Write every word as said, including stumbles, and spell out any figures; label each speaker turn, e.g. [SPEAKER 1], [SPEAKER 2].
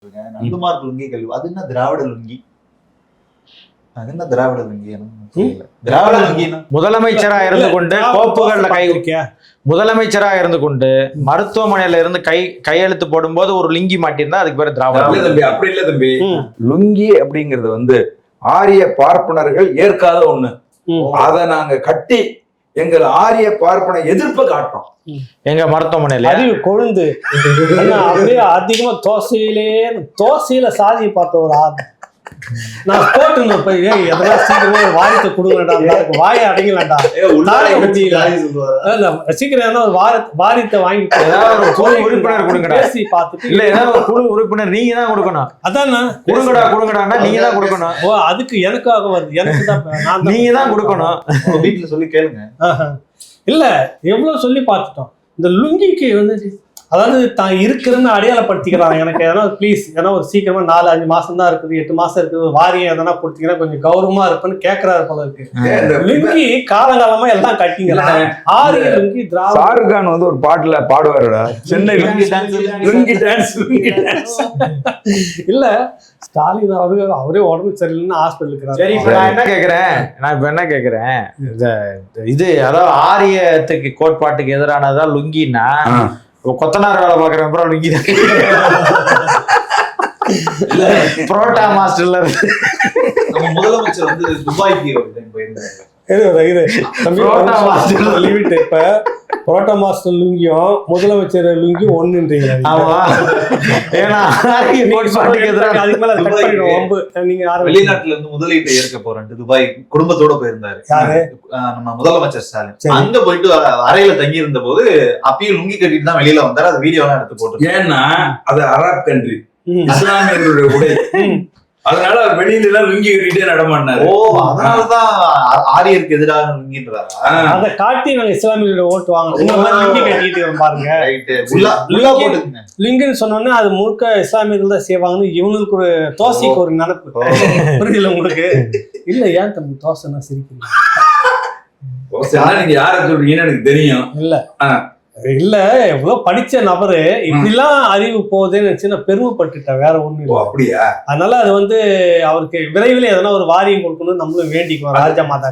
[SPEAKER 1] நந்துமார்க் லுங்கி கல்வி அது என்ன திராவிட லுங்கி? அது என்ன திராவிட லுங்கி? திராவிட லுங்கி
[SPEAKER 2] முதலமைச்சரா இருந்து கொண்டு கோப்புகள்ல கை முதலமைச்சரா இருந்து கொண்டு மருத்துவமனையில இருந்து கை கையெழுத்து போடும்போது ஒரு லுங்கி மாட்டிருந்தா அதுக்கு பேரு திராவிட
[SPEAKER 3] தம்பி. அப்படி இல்ல தம்பி, லுங்கி அப்படிங்கிறது வந்து ஆரிய பார்ப்பனர்கள் ஏற்காத ஒண்ணு. அத நாங்க கட்டி எங்கள் ஆரிய பார்ப்பன எதிர்ப்பு காட்டுறோம்.
[SPEAKER 2] எங்க மருத்துவமனையில
[SPEAKER 4] அறிவு கொழுந்து அப்படியே அதிகமா தோசையிலே தோசையில சாதியை பார்த்த ஒரு ஆள் நான் போட்டு போய் எதனா சீக்கிரமா ஒரு வாரியத்தை கொடுங்கடா, வாயை அடங்கலடா, சீக்கிரம் ஒரு வார வாரியத்தை வாங்கி
[SPEAKER 2] உறுப்பினர் கொடுங்கடா,
[SPEAKER 4] பேசி பார்த்துட்டு
[SPEAKER 2] இல்ல ஏதாவது ஒரு குழு உறுப்பினர் நீங்க தான் கொடுக்கணும்.
[SPEAKER 4] அதான்
[SPEAKER 2] கொடுங்கடா கொடுங்கடான்னா நீங்க தான் கொடுக்கணும்.
[SPEAKER 4] ஓ அதுக்கு எனக்காக வருது, எனக்கு தான்
[SPEAKER 2] நீங்க தான் கொடுக்கணும்.
[SPEAKER 1] வீட்டுல சொல்லி கேளுங்க.
[SPEAKER 4] இல்ல எவ்வளவு சொல்லி பார்த்துட்டோம். இந்த லுங்கிக்கு வந்து அதாவது தான் இருக்கிறன்னு அடையாளப்படுத்திக்கிறாங்க. எனக்கு எதனா ப்ளீஸ் ஏன்னா ஒரு சீக்கிரமா நாலு அஞ்சு மாசம் தான் இருக்குது, எட்டு மாசம் இருக்குது, வாரியம் எதனா கொடுத்தீங்கன்னா கொஞ்சம் கௌரவமா இருப்பேன்னு கேட்கறாரு போல இருக்கு. லுங்கி காலங்காலமா எல்லாம் கட்டிங்களா ஆரிய லுங்கி திராவிட.
[SPEAKER 3] ஷாருக் கான் வந்து ஒரு பாட்டுல பாடுவாருடா, Chennai lungi dance lungi dance lungi dance.
[SPEAKER 4] இல்ல ஸ்டாலின் அவரு அவரே உடம்பு சரியில்லைன்னு ஹாஸ்பிட்டலுக்கு.
[SPEAKER 2] சரி இப்ப நான் என்ன கேக்குறேன் நான் இப்ப என்ன கேக்குறேன் இது அதாவது ஆரியத்துக்கு கோட்பாட்டுக்கு எதிரானதா லுங்கின்னா கொத்தனார் வேலை பாக்குறேன் அப்புறம் லுங்கி தான். புரோட்டா மாஸ்டர்ல
[SPEAKER 1] நம்ம முதலமைச்சர் வந்து துபாய்க்கு போயிருந்தாங்க.
[SPEAKER 4] இப்ப புரோட்டா மாஸ்டர் லுங்கியும் முதலமைச்சர் லுங்கியும் ஒண்ணுன்றீங்க.
[SPEAKER 1] வெளிநாட்டுல இருந்து முதலீட்டை ஏற்க போறேன் துபாய் குடும்பத்தோட போயிருந்தாரு நம்ம முதலமைச்சர் ஸ்டாலின். அங்க போயிட்டு அறையில தங்கி இருந்த போது அப்பயும் லுங்கி கட்டிட்டு தான் வெளியில வந்தாரு. அது வீடியோ எல்லாம் எடுத்து போட்டு.
[SPEAKER 3] ஏன்னா அது அரப் கண்ட்ரி, இஸ்லாமியர்களுடைய உடை, அதனால அவர் வெளியில எல்லாம் லுங்கி கட்டிட்டே நடமாடினாரு.
[SPEAKER 1] ஓ அதனாலதான் ஆரியருக்கு எதிராக லுங்கின்றாரா?
[SPEAKER 4] அதை காட்டி நாங்க இஸ்லாமியர்களோட ஓட்டு வாங்கணும் லுங்கி கட்டிட்டு பாருங்க. லுங்கின்னு சொன்னோன்னே அது முழுக்க இஸ்லாமியர்கள் தான் செய்வாங்கன்னு இவங்களுக்கு ஒரு தோசைக்கு ஒரு நினைப்பு. புரியல உங்களுக்கு? இல்ல ஏன் தம்பி தோசைன்னா சிரிக்கிறீங்க?
[SPEAKER 3] நீங்க யார சொல்றீங்கன்னு எனக்கு தெரியும்.
[SPEAKER 4] இல்ல இல்ல எவ்வளவு படிச்ச நபரு இப்படிலாம் அறிவு போகுதுன்னு நினைச்சு நான் பெருமைப்பட்டுட்டேன், வேற ஒண்ணு இல்லை.
[SPEAKER 3] அப்படியா?
[SPEAKER 4] அதனால அது வந்து அவருக்கு விரைவில் எதனா ஒரு வாரியம் கொடுக்கணும்னு நம்மளும் வேண்டிக்குவோம் ராஜா மாதா.